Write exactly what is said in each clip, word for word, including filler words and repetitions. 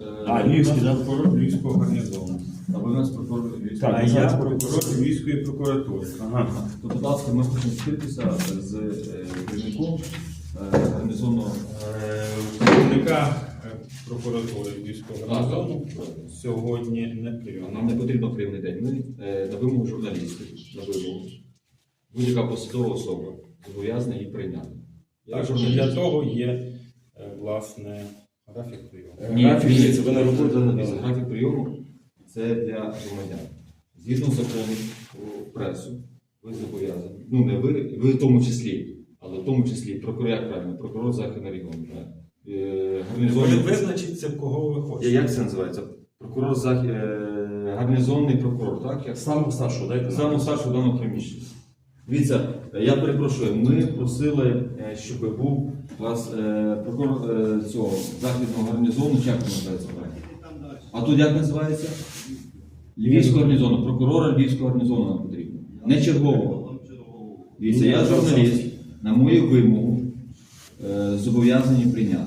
А, Львівський, да? Прокурор Львівського гарнізону. А ви у нас прокурор Львівського А гарнізону. я прокурор Львівської прокуратури. Ага. То, будь ласка, ми хочемо вступитися з е, керівником е, гарнізону. Е, Керівника е, прокуратури Львівського гарнізону сьогодні не Нам прийом. не потрібно прийомний день. Ми е, на вимогу журналістів, на вимогу. Будь-яка посадова особа зобов'язана її прийняти. Я Так, журналіст. для того є, е, власне, графік прийому. Ні, Графік, ні, дивіться, ви на роботі. Дивіться, графік прийому це для громадян. Згідно закону про пресу, ви зобов'язані. Ну, не ви, ви в тому числі, але в тому числі прокурор, як правильно, прокурор Західного регіону. Е, Ви гарнізонний... визначіться, кого ви Я- хочете. Як це називається? Прокурор Зах... е, гарнізонний прокурор, так? Як... Самого старшого, дайте нам. Саме старшого в даному приміщенні. Дивіться, я перепрошую, ми просили, е, щоб був у вас е, прокурор е, цього західного гарнізону, чи як він називається? А тут як називається? Львівського гарнізону, прокурора Львівського гарнізону нам потрібно. Не чергового. Дивіться, я журналіст, на мою вимогу е, зобов'язані прийняти.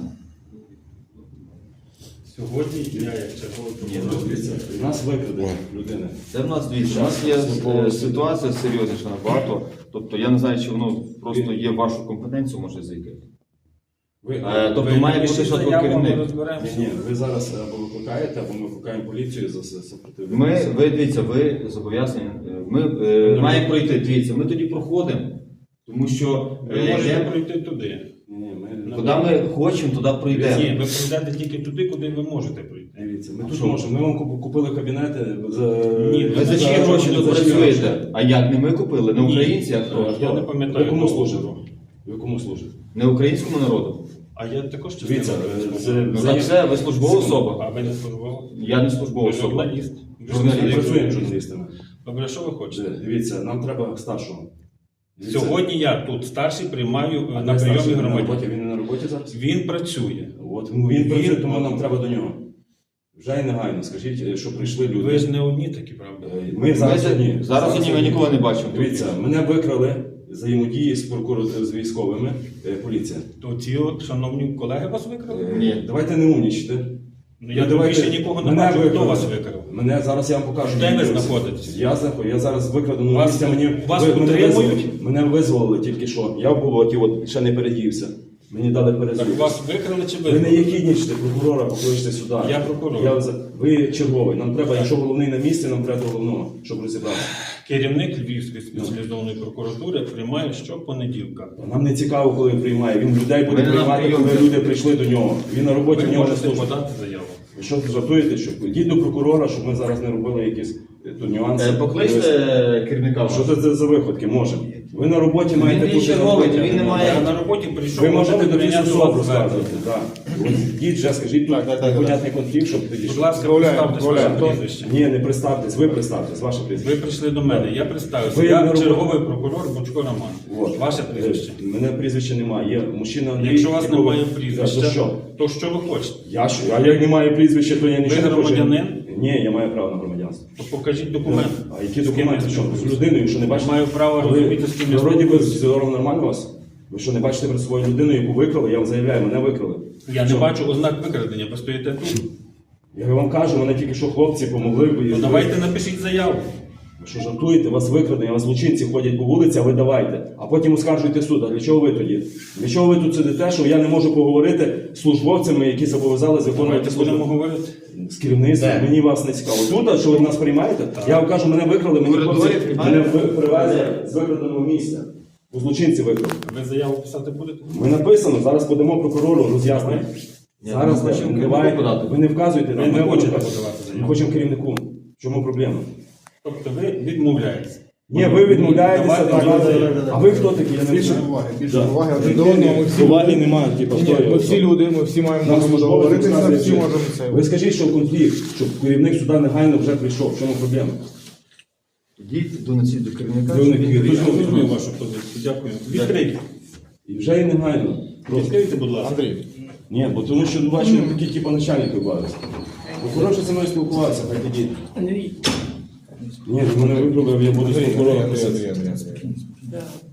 Сьогодні я, як черговий Ні, прокурор, ну, Дивіться, у нас викрадення людини. Це в нас дивіться, у нас є е, ситуація серйозніша набагато. Тобто я не знаю, чи воно просто є в вашу компетенцію, може зайти. Ви, Е, тобто ви має напишіть бути що заяву, ми керівник. розберемося. ні, ні, ви зараз або викликаєте, або ми викликаємо поліцію за супротивлення. Ми, ви дивіться, ви зобов'язані. е, Ми е, маємо пройти. Дивіться, ми тоді проходимо, тому що Ви е, можете йдемо- пройти туди. Ні, ні, ми... куди ми хочемо, туди Ні, пройдемо. ви пройдете тільки туди, куди ви можете пройти. Дивіться, ми А тут що? можемо. Ми вам куп- купили кабінети за... Ні, Ви за чиї гроші тут працюєте? А як не ми купили? Не українці, а хто? Я не пам'ятаю. Ви кому договору. служите? Ви кому служите? Не українському народу. А я також Дивіться, частина е, це- військового. Ну, за це ви службова особа. А ви не службова? Я не службова Ви особа. журналіст. Ви Журналіст. Ми журналіст. працюємо журналістами. Добре, що ви хочете? Дивіться, нам треба старшого. Дивіться, Сьогодні я тут старший приймаю а е, на де прийомі старший? Він на громадян. роботі, він не на роботі зараз? Він працює. От, він, він працює, тому нам треба до нього. Вже й негайно, скажіть, що прийшли люди. Ви ж не одні такі, правда? Е, Ми зараз Ми одні. зараз одні, ми нікого не бачимо. Дивіться, мене викрали взаємодії з прокуратурою, з військовими, е, поліція. То ці от, шановні колеги вас викрали? Е, Ні. Давайте не умнічте. Ну, я Ну, тут давайте- більше нікого не мене бачу. Хто викрали. вас викрав? Мене зараз я вам покажу. Де ви відео. знаходитесь? Я знаходжу, я зараз викрадено Вас- місця. Мені вас ви- мене утримують? визволили. Мене визволили тільки що. Я в болоті, от ще не передівся. Мені дали Так перезув. вас викрали чи Ви не викрали? єхіднічте, прокурора, покличте сюди. Я прокурор. Я, за- ви черговий. Нам треба, якщо головний на місці, нам треба до головного, щоб розібратися. Керівник Львівської спеціалізованої прокуратури приймає щопонеділка. Нам не цікаво, коли він приймає. Він людей буде Ми не на приймати, прийомі. коли люди прийшли до нього. Він на роботі, Ви в нього не можете служить. подати заяву. Ви що жартуєте? Що? Йдіть до прокурора, щоб ми зараз не робили якісь е, тут нюанси. Е, Покличте керівника. Що це, це за виходки? Може. Ви на роботі маєте Він бути черговий, робити, він не а має- Я на роботі прийшов. Ви можете готовий до прийняти особу вас розказувати. Так. От йдіть вже, скажіть, тут непонятний конфлікт, щоб тоді. Будь щоб- ласка, Відправляємо, представте своє відправляємо. прізвище. Ні, не представтесь, ви представтесь, ваше прізвище. Ви прийшли до мене, я представився. Ви на Я роботі. черговий прокурор Бучко Роман. От. Ваше прізвище. Е, Мене прізвища немає. Є мужчина Андрій. Якщо у вас якого- немає За прізвища, що? то що ви хочете? Я що? А як немає прізвища, то я нічого не хочу. громадянин? Ні, я маю право на громадянство. То покажіть документ. А які З ким документи? ви Що? З спілкуєтесь? людиною, що не бачите? Маю право А ви- розуміти, з ким я ви Вроді би спілкуюся. з зором нормально у вас? Ви що, не бачите перед собою людину, яку викрали? Я вам заявляю, мене викрали. Я не Що? бачу ознак викрадення, ви стоїте тут. Я вам кажу, мене тільки що хлопці помогли. бо- Ну давайте напишіть заяву. Ви що жартуєте? Вас викрадені, вас злочинці ходять по вулиці, а ви давайте. А потім оскаржуйте суд. А для чого ви тоді? Для чого ви тут сидите, що я не можу поговорити з службовцями, які зобов'язали виконувати Давайте будемо службу? говорити. З керівництвом, Де? мені вас не цікаво. Тут, а що ви нас приймаєте? Я вам кажу, мене викрали, мені Коридорі хлопці, приймаєте? мене ви- привезли з викраденого місця. У злочинці викрали. Ви заяву писати будете? Ми написано, зараз подамо прокурору роз'яснення. Ні, Зараз ми хочемо не керівнику давайте, подати. ви не вказуєте Ви нам. не ми хочете будемо- подавати заяву? Ми хочемо керівнику. В чому проблема? Тобто ви відмовляєтеся. Ні, ви відмовляєтеся, Давайте так, давайте, але- давайте. а ви хто такі? Я не Більше знаю. уваги, більше Да. уваги один до одного. Ми всі Поваги люди. немає, типу, Ні, хто ми його? всі люди, ми всі маємо Нам можемо службовець договоритися, розказує, всі що- можемо це. Ви скажіть, що конфлікт, щоб керівник сюди негайно вже прийшов. В чому проблема? Йдіть до носіть до керівника. До щоб він керівника. прийшов. Я розумію вашу позицію. Дякую. Відкрийте. І вже і негайно. Просто. Відкрийте, будь ласка. Андрій, Ні, бо тому що бачу, такі типу начальники бавляться. Прокурор що зі мною спілкувався, хай тоді. Ні, мене вибрали, я буду з Андрій, прокурором Андрій, писати. Андрій, Андрій, Андрій.